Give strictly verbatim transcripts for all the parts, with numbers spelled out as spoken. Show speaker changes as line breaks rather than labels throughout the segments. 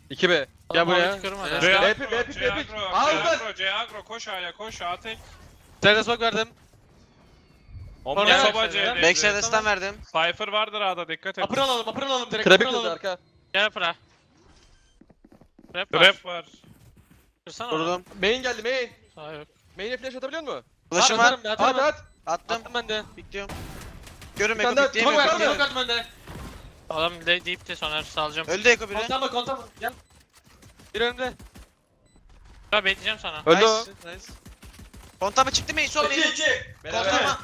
iki B. Gel buraya.
Çıkıyorum hadi.
Evet.
C
B
agro,
pick, B pick,
C
B pick.
agro,
Al
C
lan.
agro, C agro, koş A'ya, koş A tek.
Sen de smoke verdim.
Omni
Oraya
soba
bak sen ya.
C'deydi.
Backside'e stun verdim.
Cypher vardır A'da, dikkat et.
Upper alalım, upper alalım direkt.
Trap
Upper
kırdı
alalım.
arka.
Gel pra. Trap var.
Trap var.
Kırsana onu.
Durdum.
Main geldi main.
Sağ yok.
Main'e flash atabiliyor musun?
Flash'ım
Atarım
var.
ben, atarım
At
ben.
at.
Attım.
Attım ben de.
Bekliyorum. Görün
Bir tane
Eko
daha
bekleyeyim.
smoke
Eko
ver,
Smoke
bekleyeyim.
attım ben de.
Adam de deep'ti sonra salacağım.
Öldü Eko biri.
Kontama kontama. Gel. Bir önümde.
Ya bekleyeceğim sana.
Öldü o.
Nice. Nice. Kontama çıktı mı? Sol
İki
main.
iki.
Kontama.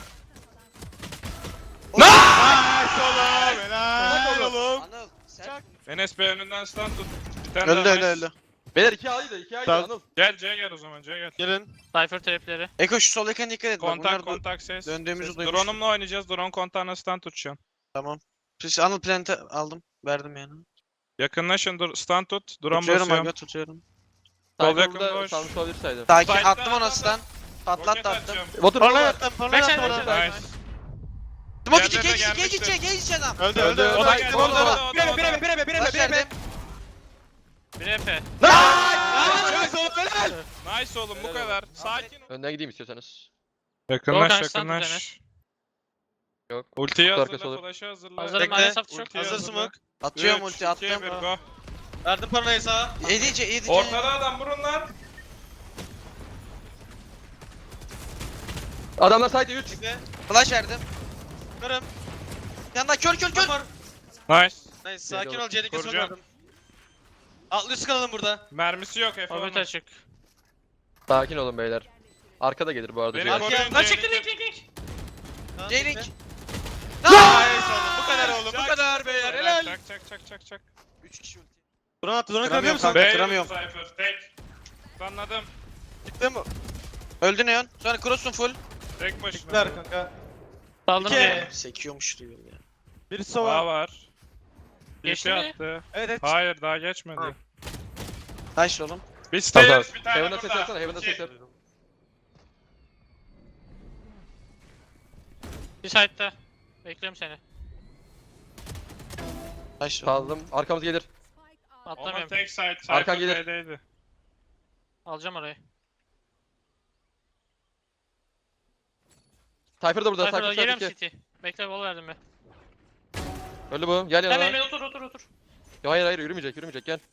Nice oğlum, helal oğlum.
Anıl. Sen.
Enes Bey önünden stun tut. Bir tane
Öldü
daha
öldü
nice.
öldü.
Beyler iki A'ydı iki A'ydı
Tamam.
Anıl.
Gel C'ye gel o zaman, C'ye gel.
Gelin.
Cypher trapleri.
Eko şu sol yakın dikkat et. Bak
Kontak,
bunlar bu.
kontak ses.
döndüğümüzü
Ses.
duymuş.
Drone'umla oynayacağız, drone kontağına stun tutacağım.
Tamam. Siz Anıl plant'ı aldım. Verdim yani.
Yakınlaşın, dur, stun tut, drone
Tutuyorum
basıyorum.
aga tutuyorum.
Sol
Cypher
yakın
burada
boş.
salmış olabilir saydı.
Sakin
Side'da
attım ona
atladı.
stun. Patlat
Roket
da attım.
atacağım.
Water
Parla
var.
yattım, parla
Backside,
yattım ona.
backside.
Nice.
Smoke içi,
Diğerleri de
geç içi, geç
gelmiştir.
içi, geç içi adam.
Öldü
Öldü.
öldü.
O da geldi, o da, o
Tamam,
da, o da, o da.
Bireme bireme bireme
Flash
bireme.
verdim.
Bir E P.
Nice oğlum helal.
Nice oğlum, bu kadar. Sakin ol.
Önden gideyim istiyorsanız.
Yakınlaş,
Volkan, stun tut
yakınlaş.
Yok.
Ultiyi
Kutu
hazırla,
arkası olur.
flash'ı hazırla.
Hazırım,
Bekle.
Ares çok.
Ultiyi
Hazır
hazırla.
smoke.
Atıyorum
Üç,
ulti
iki, bir,
attım.
go.
Verdim parayı sağa.
Yedi içi, yedi içi.
Ortada adam, vurun lan.
Adamlar side üç.
Bekle.
Flash verdim.
Kırım.
Yanında kör kör kör.
Var.
Nice.
Nice sakin ol C'deki smoke
Kuracağım.
verdim. Altlı üst kalalım burada.
Mermisi yok Efe
Orbit
onun.
açık.
Sakin olun beyler. Arkada gelir bu arada.
Beni
Cihan.
koruyun.
Lan çıktı link link link.
J-Link.
Nice oğlum bu kadar oğlum bu
Çak,
kadar beyler
Helal.
helal.
Çak çak çak çak çak.
üç kişi ulti.
Drone attı drone
Kıramıyorum
kırabiliyor musun?
kanka.
Bey
kıramıyorum.
Cypher, tek. Anladım.
Gitti mi?
Öldü Neon. Sonra cross'un full.
Tek başına.
Çıktılar kanka.
Saldım
İki.
diye.
Sekiyormuş diyor ya.
Birisi
Daha
sova.
var.
Geçti
Geçti
mi?
attı.
Evet evet.
Hayır, daha geçmedi.
Ha.
Nice oğlum.
Biz
Tamam,
stairs,
tamam.
bir tane
Heaven'a ses
burada.
yapsana, Heaven'a
İki.
ses yap.
Bir side'da. Bekliyorum seni.
Nice oğlum.
Saldım. Arkamız gelir.
Onun
Atlamıyorum.
tek side.
Arkan
Cypher
gelir.
B'deydi.
Alacağım orayı.
Cypher da burada.
Cypher'da
Cypher
geliyorum
side iki.
City. Bekle bol verdim ben.
Öldü bu. Gel
Sen
yanına.
benim otur otur otur.
Ya hayır hayır yürümeyecek yürümeyecek gel.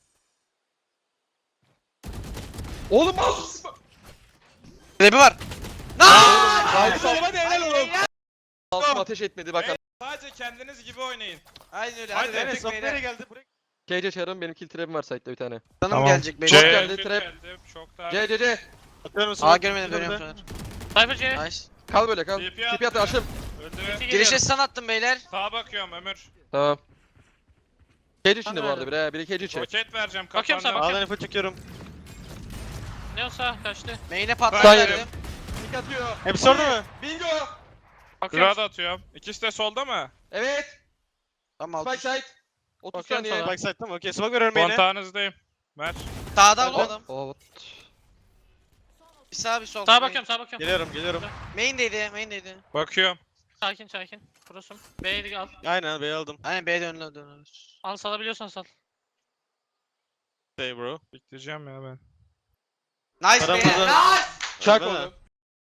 Oğlum mouse.
Trap'i var.
Nice.
Oğlum hadi helal oğlum.
Mouse'um ateş etmedi bak.
Sadece kendiniz gibi oynayın.
Aynen öyle.
Hadi,
Hadi
Evet
evet,
sok nereye geldi? Buraya.
K C çağırın benim kill trap'im var site'de bir tane.
Canım gelecek
C
beyler.
geldi,
kill
trap.
geldi, Çok daha.
C C C.
Atıyorum
Aa
smoke.
görmedim dönüyorum
Önümde.
sonra.
Cypher C.
Nice.
Kal böyle kal.
T P
T P
attı.
attı aşım.
Öldü.
City
Girişe
geliyorum.
stun attım beyler.
Sağa bakıyorum Ömür.
Tamam. K C içinde bu
Tamam.
arada biri he. Biri K C içi.
Roket vereceğim
Bakıyorum
kafandan.
sana.
A'dan info çekiyorum.
Ne olsa kaçtı.
Main'e patlat
Hayır.
verdim.
Dik atıyor.
Hepsi orada mı?
Bingo.
Bakıyorum.
Grad atıyorum. İkisi de solda mı?
Evet.
Tamam
Spike
altı.
side. otuz
Bakıyorum
saniye.
sana.
Backside tamam okey smoke veriyorum yine.
Kontağınızdayım. Ver.
Sağda oğlum adam.
Oh.
Bir sağ bir sol.
Sağa
Main.
bakıyorum sağa bakıyorum.
Geliyorum geliyorum.
Main'deydi main'deydi.
Bakıyorum.
Sakin sakin. Prosum. B'yi al.
Aynen B'yi aldım.
Aynen B'ye dönüyor dönüyoruz.
Al salabiliyorsan sal.
Stay bro.
Bekleyeceğim ya ben.
Nice
Adam
beyler.
burada.
Nice.
Çak
Öyle mi?
oğlum.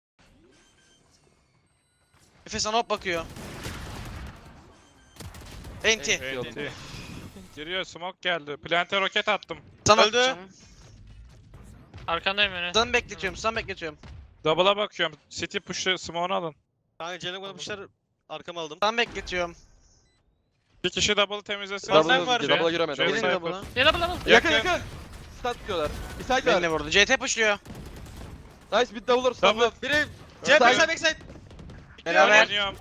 Efe sana hop bakıyor. Enti.
Enti. Yok.
Enti. Giriyor, smoke geldi. Plante roket attım.
Sana
Öldü.
atacağım.
Arkandayım öne.
Stun bekletiyorum stun bekletiyorum.
Double'a bakıyorum. City push'ı, smoke'unu alın.
Kanka Cenab yapmışlar. Arkama aldım.
Stun bekletiyorum.
Bir kişi double temizlesin.
Double
Double'a
var.
double'a giremedi.
Şey-
double'a
Birini
Cypher.
de buna.
Gel abla abla.
Yakın
Yakın.
yakın. Start tutuyorlar. Bir side
Beni de
var.
vurdu. C T pushluyor.
Nice bir double'lar
Double.
stopla.
Biri.
Side.
C backside backside.
Beraber.
Oynuyorum.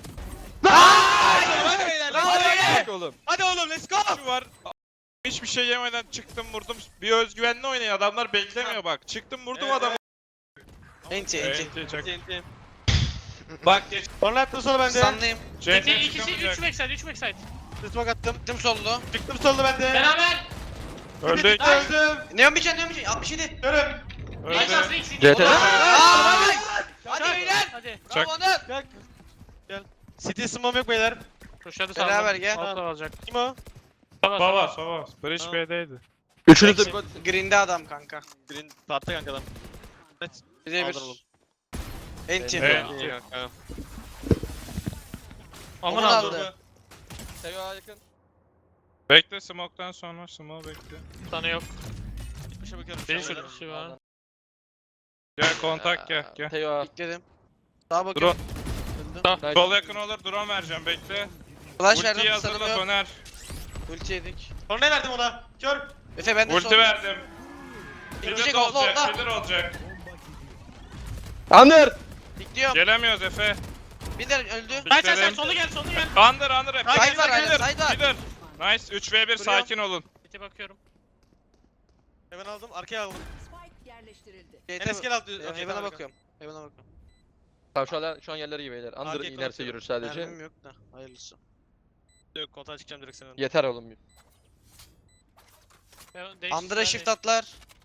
Hadi beyler.
Bravo
Hadi
beyler.
Bak oğlum.
Hadi oğlum let's go.
Şu var. Hiçbir şey yemeden çıktım vurdum. Bir özgüvenli oynayın. Adamlar beklemiyor bak. Çıktım vurdum
Evet,
adamı.
Enti enti.
Enti çak.
T N T.
Bak geç.
Sonra attım sonra bende.
Stun'dayım.
City
C T
ikisi üç
çıkamayacak.
backside üç backside.
Smoke attım.
Gittim sollu.
Çıktım solda bende.
Beraber.
Öldük.
Öldüm.
Neon bir can Neon bir can. altmış yedi.
Görüm.
Nice şans
Öldü.
City.
C T.
Aaa nice. Hadi
Hadi
beyler.
Hadi.
Çak.
Bravo Onur.
Gel. Gel. City smoke yok beyler.
Koşadı saldım.
Beraber gel.
Altta alacak.
Kim o?
Baba
Baba
baba.
baba. Bridge
Tamam.
B'deydi.
Üçünüz de bir body'sin.
Green'de adam kanka.
Green tahtta kanka adam. Evet.
Bir de bir.
Aldır oğlum.
Enti.
Evet.
İyi kanka.
Aman
Onu da
aldı.
aldı.
Teo yakın.
Bekle smoke'tan sonra smoke bekle.
Sana yok.
Gitmişe bakıyorum.
Benim
şu an
şöyle bir şey var.
Gel kontak gel gel.
Teo.
Bekledim. Sağa bakıyorum.
Drone.
Öldü.
Sol yakın olur drone vereceğim bekle.
Flash
Ultiyi
verdim.
hazırla
Sanırım yok.
Soner.
Ulti yedik.
Sonra ne verdim ona? Kör.
Efe ben de
Ulti
sol.
verdim.
Ölecek
Killer
oldu
olacak,
orada.
killer olacak.
Under.
Bekliyorum.
Gelemiyoruz Efe.
Bir de öldü.
Hayır sen sen
Bekledim.
solu gel solu gel.
Under under Efe.
Side var hala,
Killer,
side var.
killer. Nice üç ve bir sakin olun.
City bakıyorum.
Hemen aldım. Arkaya aldım.
Spike yerleştirildi.
Enes gel al. Okey,
Heaven'a
tamam,
bakıyorum. Heaven'a bakıyorum.
Tamam şu an, şu an yerleri iyi beyler. Under
Arcade
inerse
konuşuyorum.
yürür sadece.
Mermim yok da. Hayırlısı.
Yok kontağa çıkacağım direkt senin.
Yeter oğlum.
Ben değiş-
Under'a
ben
shift
değiş-
atlar.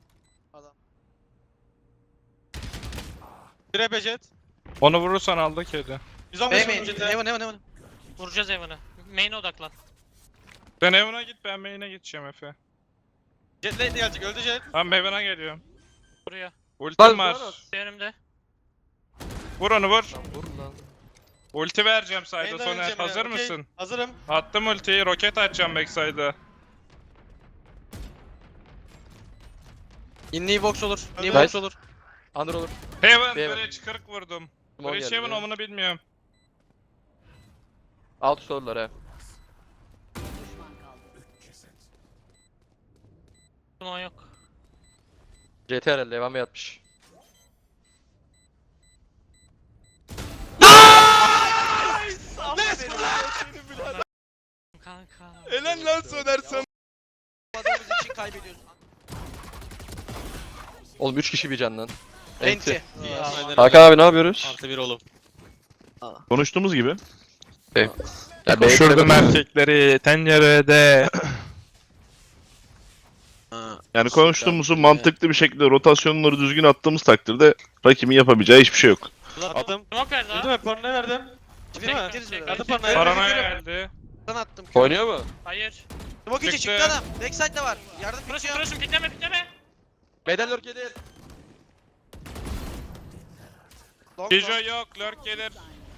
Bir E P jet.
Onu vurursan aldı kedi.
yüz on beş
Bey
vurdum
main.
jete.
Heaven Heaven Heaven.
Vuracağız Evan'ı. Main'e odaklan.
Sen Heaven'a git ben main'e gideceğim Efe.
Jet late gelecek. Öldü jet.
Ben Heaven'a geliyorum.
Buraya.
Ultim var.
Önümde.
Vur onu vur.
Lan vur lan.
Ulti vereceğim side'a
Main'den
Soner.
öleceğim ya,
Hazır
okey.
mısın?
Hazırım.
Attım ultiyi. Roket atacağım backside'a.
İnliği box olur. İnliği
Nice.
box olur.
Under olur.
Heaven.
Heaven.
Bridge kırk vurdum.
Small
Bridge
geldi.
Heaven omunu bilmiyorum.
Alt sordular he.
Düşman kaldı.
Duman yok.
C T herhalde devam yatmış.
Kanka.
Helal lan Soner sen.
Adamımız için kaybediyoruz.
Oğlum üç kişi bir candan.
Enti.
Hakan abi ne yapıyoruz?
Artı bir oğlum.
Konuştuğumuz gibi.
Ya
Koşurdum erkekleri tencerede.
Yani konuştuğumuzu mantıklı bir şekilde rotasyonları düzgün attığımız takdirde rakibin yapabileceği hiçbir şey yok.
Attım.
Smoke verdi
Öldü
ha.
mü? Porno ne verdim? Değil mi?
Gideriz böyle.
Verdim pornoyu.
Paranoya geldi.
Ben attım.
Oynuyor mu?
Hayır.
Smoke içi
Çıktı.
çıktı adam. Backside'de var. Yardım
Burası
bitiyor.
burası pikleme pikleme.
Beden lurk yedi.
Long
Kijo
long.
yok. Lurk gelir.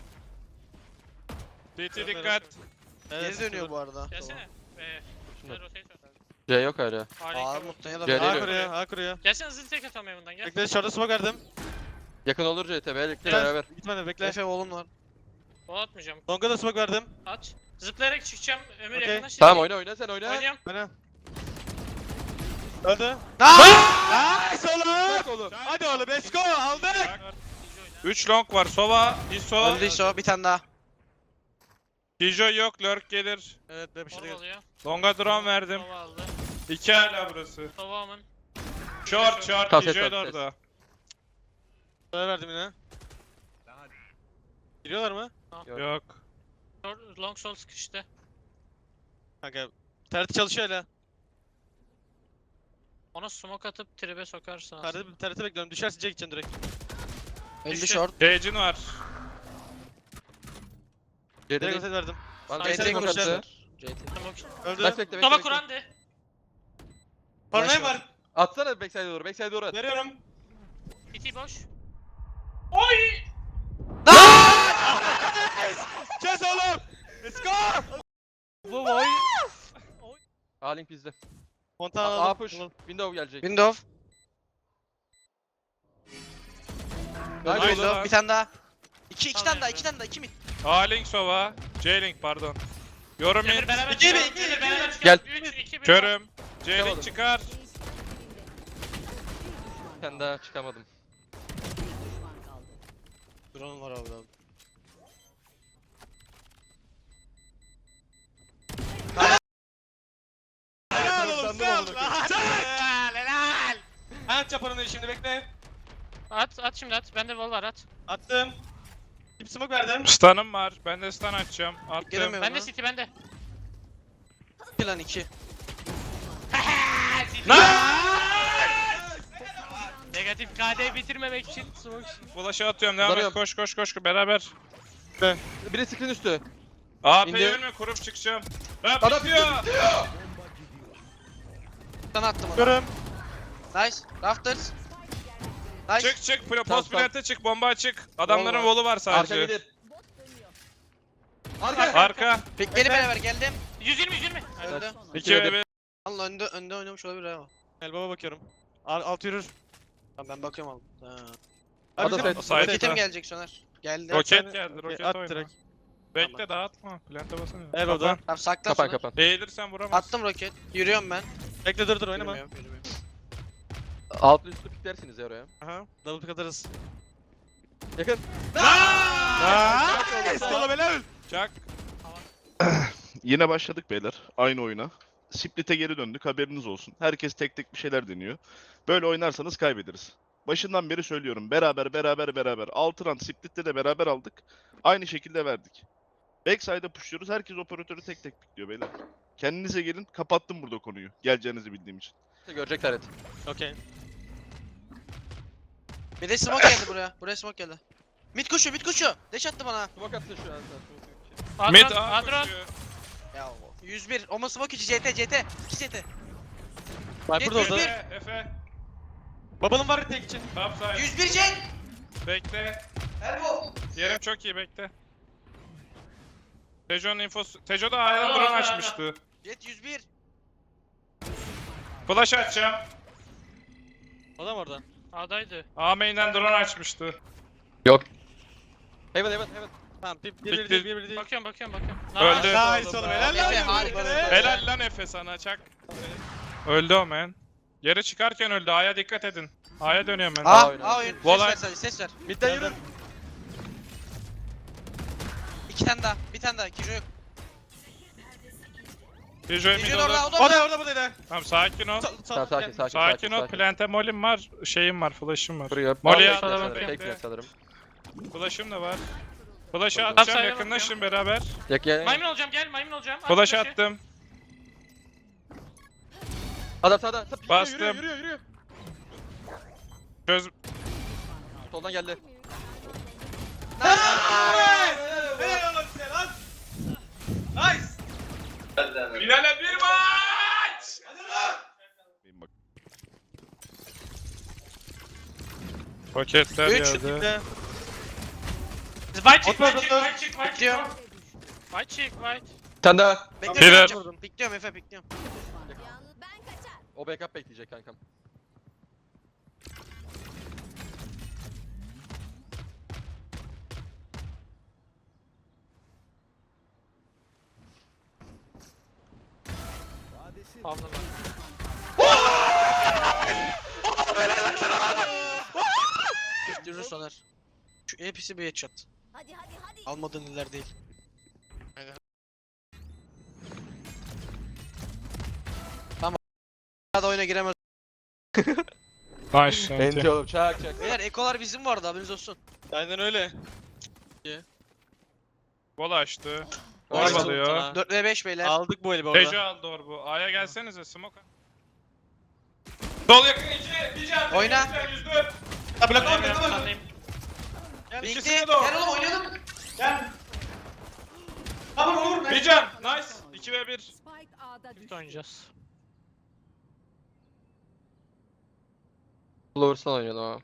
C T dikkat.
Geri dönüyor bu arada.
Gelsene. Ee, şöyle rotate at.
C yok hala.
Aa
Harika.
muhtemelen.
Gel,
A
geliyor.
kuruyor. A kuruyor.
Gelsene hızlı tek atalım Evan'dan gel.
Bekle şurada smoke verdim.
Yakın olur C T. Birlikte
Gel.
beraber.
Gitmedi bekle.
Efe oğlum var.
Bol atmayacağım.
Long'a da smoke verdim.
Aç. Zıplayarak çıkacağım. Ömür
Okey.
yakınlaş.
Tamam oyna oyna sen oyna.
Oynuyorum.
Bana. Öldü.
Aaaa!
Nice oğlum. Hadi oğlum let's go aldık.
üç long var. Sova. Iso.
Öldüyse o bir tane daha.
Kijo yok. Lurk gelir.
Evet ben bir şey
Mor
değil.
alıyor.
Longa drone verdim.
Sova aldı.
iki hala burası.
Sova amın.
Short short.
Kaset
Kijo'yu
var,
da
ses.
orada.
Sana verdim yine. Giriyorlar mı?
Yok.
Yok.
Short- Long sol sıkıştı.
Kanka. Terti çalışıyor hala.
Ona smoke atıp tribe sokarsın aslında.
Terti, terti bekliyorum. Düşerse Jack gideceksin direkt.
Öldü
Düştü.
short.
Cage'in var.
C
Direkt
T'de.
rotate verdim.
Bana
Side
C T'yi
konuşacağız.
konuştu.
C T.
Smoke.
Öldü.
Bekle bekle
Sova
bekle.
Kur'an'dı.
Paranoya var.
Atsana backside'e doğru. Backside'e doğru at.
Veriyorum.
City boş.
Kes oğlum. Let's go.
Bu boy.
A-Link bizde.
Montana
A
aldım.
push. Window gelecek.
Window.
Nice
Nice
oğlum.
oğlum.
Bir tane daha. İki, iki
Tamam
tane daha,
ya.
iki tane daha, iki mi?
A-Link Sova. J-Link pardon. Yorum
Emir
in.
beraber
İki mi,
çıkalım.
iki,
Emir
iki
beraber
mi?
çıkalım.
Gel.
üç, iki, bir.
Körüm.
Çıkamadım.
J-Link çıkar.
Bir tane daha çıkamadım.
Düşman kaldı.
Drone var abi abi.
Helal oğlum sağ ol. Helal helal. At yap paranoyu şimdi bekle.
At at şimdi at. Bende wall var at.
Attım. Tip smoke verdim.
Stun'ım var. Ben de stun açacağım. Attım.
Gelemiyorum
Bende
lan.
City bende.
İki lan iki.
Negatif K D bitirmemek için smoke.
Flash'ı atıyorum. Devam et.
Darıyorum.
Koş koş koş. Beraber.
Biri screen üstü.
A P'yi
İndi.
ölme. Kurup çıkacağım. Ha
Adam
bitiyor.
Sana attım onu.
Görüm.
Nice. Rafters. Nice.
Çık çık. Pro-
Tamam,
Post plante çık. Bomba açık. Adamların
Wall var.
wall'u var
Arka
sadece.
gelir. Arka.
Arka.
Pikleri beraber geldim.
yüz yirmi yüz yirmi.
Öldü.
iki ve bir.
Allah önde önde oynamış olabilir ha.
Elbaba bakıyorum. Al- Alt yürür.
Tamam ben bakıyorum abi. Ha.
Ada
Bizim-
side.
Side.
Roketim gelecek Soner. Geldi.
Roket geldi. Roket
At
oyna.
direkt.
Bekle dağıtma. Plante basana.
Elbow'da.
Tamam sakla
Kapan
Soner.
kapan.
Eğilirsen vuramazsın.
Attım roket. Yürüyorum ben.
Bekle dur dur oynama.
Yürümüyorum, yürümüyorum.
Altlı üstlü piklersiniz ya oraya.
Aha. Double pick atarız.
Yakın.
Aaa! Solo helal.
Çak.
Yine başladık beyler. Aynı oyuna. Split'e geri döndük. Haberiniz olsun. Herkes tek tek bir şeyler deniyor. Böyle oynarsanız kaybederiz. Başından beri söylüyorum. Beraber beraber beraber. altı round Split'te de beraber aldık. Aynı şekilde verdik. Backside'a pushluyoruz. Herkes operatörü tek tek pikliyor beyler. Kendinize gelin. Kapattım burada konuyu. Geleceğinizi bildiğim için.
Görecekler et.
Okey.
Bir de smoke geldi buraya. Buraya smoke geldi. Mid koşuyor, mid koşuyor. Deş attı bana.
Smoke atsın şu an sen.
Mid
Adron,
A
Adron.
koşuyor.
Ya yüz bir. Oma smoke içi C T, C T. iki C T.
Viper da
yüz bir.
orada.
Efe. Efe.
Babanın var tek için.
Top side.
yüz bir Cenk.
Bekle.
Elbow.
Yerim çok iyi bekle. Tejo'nun infosu. Tejo da A'ya drone açmıştı.
Jet yüz bir.
Flash açacağım.
Adam orada.
A'daydı.
A main'den drone açmıştı.
Yok. Heaven heaven heaven.
Tamam bir bir
Bitti.
bir değil bir bir değil.
Bakıyorum bakıyorum bakıyorum.
Öldü.
Nice oğlum helal
Efe,
lan.
harikasın.
Helal lan Efe sana çak. Öldü o man. Yere çıkarken öldü. A'ya dikkat edin. A'ya dönüyorum ben.
A,
oynadı.
A oyun. Ses
Volay.
ver sadece, ses ver.
Midden yürü.
İki tane daha, bir tane daha. Kijo yok.
Tejo'ya mid
Kijo orada,
orada.
o da
O
orada.
da orada bu da.
Tamam sakin ol.
Tamam sakin sakin
Sakin ol. Plante mollim var. Şeyim var. Flash'ım var.
Buraya.
Molly'ye
Bekle,
atladım,
bekle,
bekle.
bekle sanırım.
Flash'ım da var. Flash'ı
Tamam,
atacağım
sayıya
yakınlaşın beraber.
Yak gel.
Maymun olacağım gel maymun olacağım. At
Flash
flash'ı.
attım.
Adam sağda. Tıp,
Bastım.
Yürü yürü yürü.
Çöz.
Soldan geldi.
Helal oğlum size lan. Nice.
Finale bir maç.
Bak.
Paketler
Üç.
geldi.
White çık
Atma,
white çık
atma.
white çık white çık.
Bekliyorum.
White çık white.
Bir tane daha.
Bekliyorum.
Birer.
Bekliyorum. Bekliyorum Efe, bekliyorum.
O backup bekleyecek kankam.
Fazla var.
Yürü Soner. Şu hepsi bir headshot.
Hadi hadi hadi.
Almadığın iller değil. Tamam. Daha oyuna giremez.
Nice.
Enti oğlum çak çak.
Beyler ekolar bizim vardı, haberiniz olsun.
Aynen öyle.
Bol açtı.
Nice.
Orbalıyor.
dört ve beş beyler.
Aldık bu eli bu arada.
Tejo aldı orbu. A'ya gelsenize smoke. Sol yakın iki. Bir can.
Oyna.
Yüzde.
Ha blok
Sandayım,
blok blok.
sandayım.
Bitti.
ikisini de o.
Gel oğlum oynayalım.
Gel. Tamam olur.
Bir can. Nice. iki ve bir.
Spike A'da
Birlikte
düştü.
oynayacağız.
Flowers'tan oynuyordu ama.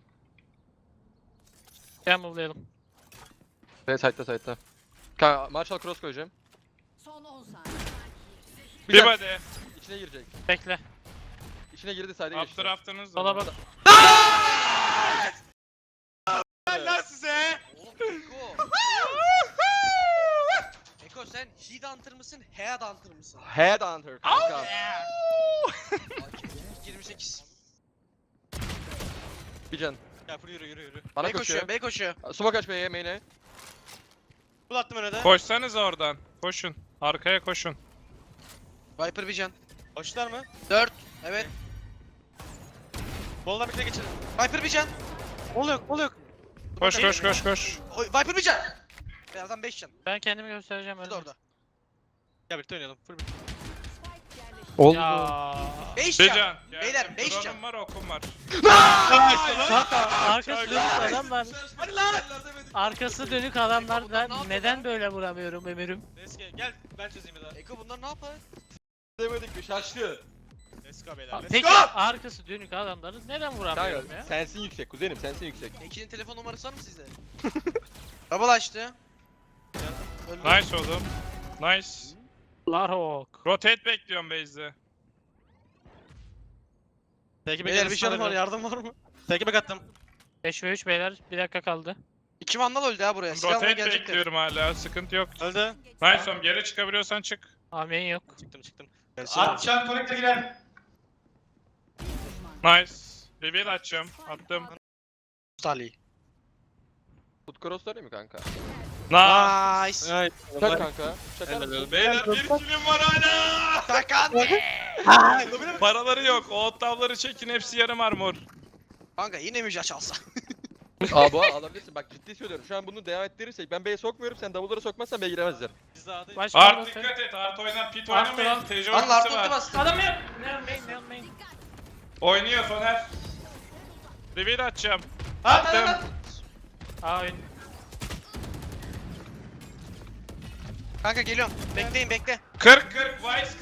Gel move'layalım.
Evet side'da side'da. Kanka Marshall cross koyacağım.
Son on saniye.
Bir
Bir
can.
body.
İçine girecek.
Bekle.
İçine girdi side'e geçti.
Updraft'ınız da.
Sola
var.
bak.
Lan size.
Oğlum Eko. Eko sen Heat Hunter mısın, Head Hunter mısın?
Headhunter kanka.
yirmi sekiz.
Bir can.
Ya full yürü yürü yürü.
Bana
Bey
koşuyor.
koşuyor, bey koşuyor.
Smoke aç B'ye main'e.
Bul attım öne de.
Koşsanız oradan. Koşun. Arkaya koşun.
Viper bir can.
Koştular mı?
dört. Evet.
Boldan birlikte geçelim.
Viper bir can.
Ol yok ol yok.
Koş koş koş koş.
Oy, Viper bir can. Beyazdan beş can.
Ben kendimi göstereceğim
Bu
öyle.
da orada.
Gel birlikte oynayalım. Full birlikte.
Spike yerleştirildi.
Oldu.
Ya.
beş
Bir
can.
can. Geldim.
Beyler, beş
Drone'um
can.
var okum var.
Kanka arkası dönük adamlar.
Hadi lan.
Arkası dönük adamlar ben neden böyle vuramıyorum Emir'im?
Eski gel ben çözeyim bir daha.
Eko bunlar ne yapar?
Demedik bir şaştı.
Let's go beyler. Let's
Peki
go.
arkası dönük adamları neden vuramıyorum
Kanka
ya?
sensin yüksek kuzenim sensin yüksek.
İkinin telefon numarası var mı sizde? Double açtı. Öldü.
Nice oğlum. Nice.
Larhawk.
Rotate bekliyorum base'de.
Peki
Beyler bir canım var, yardım var mı?
Peki bek attım.
beş ve üç beyler. Bir dakika kaldı.
İki vandal öldü ha buraya. Silahla
Rotate
gelecekler.
bekliyorum hala. Sıkıntı yok.
Öldü.
Nice oğlum. Geri çıkabiliyorsan çık.
Amen yok.
Çıktım çıktım.
Atacağım connect'e girer.
Nice. Reveal açacağım. Attım.
Salih.
Foot cross değil mi kanka?
Nice.
Nice.
Ay.
Çak kanka. Çakar mısın?
Beyler bir kilim var hala.
Takan.
Paraları yok. O ottavları çekin. Hepsi yarım armor.
Kanka yine müjde çalsa.
Aa bu alabilirsin bak ciddi söylüyorum. Şu an bunu devam ettirirsek ben B'ye sokmuyorum sen double'ları sokmazsan B'ye giremezler.
Biz de A'dayız.
Başka
Art
rotate.
dikkat et. Art oynar. Pit
Art
oynamayın.
lan.
Tejo
Lan
ultisi
Lartut'u
var.
bastı.
Adam yok. Neon main, neon main.
Oynuyor Soner. Reveal açacağım.
At at
Attım.
at.
Aa oyun.
Kanka geliyorum. Bekleyin bekle.
kırk kırk. Vice